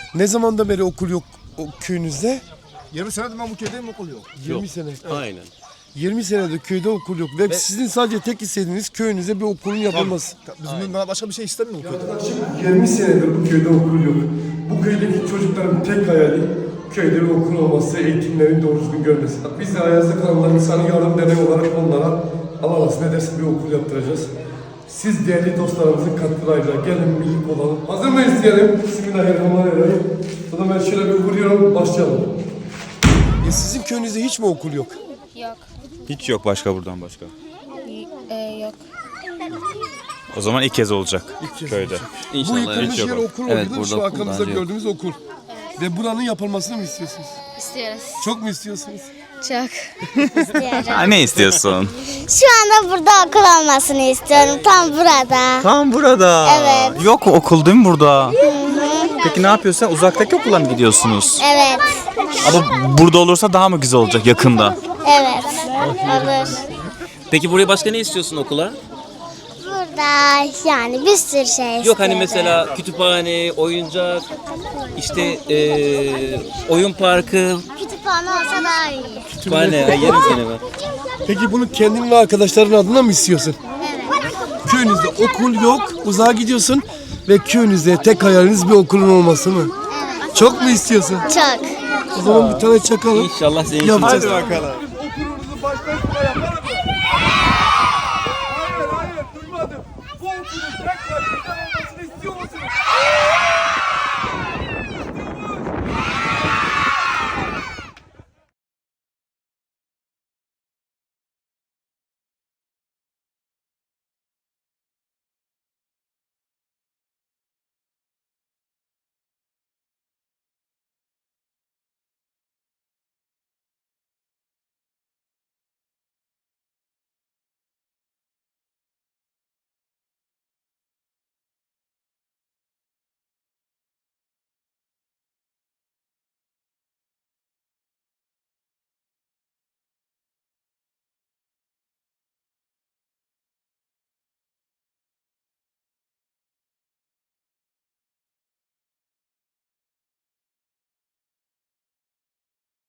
Ne zamandan beri okul yok köyünüzde? 20 senedir ben bu köydeyim, okul yok. 20 sene. Aynen. 20 senedir köyde okul yok ve sizin sadece tek istediğiniz köyünüze bir okulun yapılması. Bizim başka bir şey istemiyor bu köyde. Yaklaşık 20 senedir bu köyde okul yok. Bu köydeki çocukların tek hayali köyde bir okul olması, eğitimlerin doğru düzgün görmesi. Biz de Ayaz'da kalanlar insanı yardım derneği olarak onlara Allah nasip ederse bir okul yaptıracağız. Siz değerli dostlarımızın katkılarıyla gelin birlik olalım. Hazır mıyız diyelim? Bismillahirrahmanirrahim. O zaman ben şöyle bir vuruyorum, başlayalım. Sizin köyünüzde hiç mi okul yok? Yok. Hiç yok başka buradan başka. Yok. O zaman ilk kez olacak kez köyde. Bu İnşallah. yıkılmış hiç yer yok. okul Evet, oldu. burada Şu okul arkamızda bence yok. gördüğümüz okul. Ve buranın yapılmasını mı istiyorsunuz? İstiyoruz. Çok mu istiyorsunuz? Çok. Ha, ne istiyorsun? Şu anda burada okul olmasını istiyorum. Tam burada. Tam burada. Evet. Yok okul değil mi burada? Peki ne yapıyorsun? Sen uzaktaki okula mı gidiyorsunuz? Evet. Ama burada olursa daha mı güzel olacak yakında? Evet. Olur. Peki buraya başka ne istiyorsun okula? Burada yani bir sürü şey istiyorum. Yok hani mesela kütüphane, oyuncak, işte oyun parkı, Kütüphane olsa daha iyi. kütüphane, yerim seni ben. Peki bunu kendin ve arkadaşların adına mı istiyorsun? Evet. Köyünüzde okul yok, uzağa gidiyorsun ve köyünüzde tek hayaliniz bir okulun olması mı? Evet. Çok mu istiyorsun? Çok. O zaman bir tane çakalım. İnşallah senin için. Yapacağız. bakalım.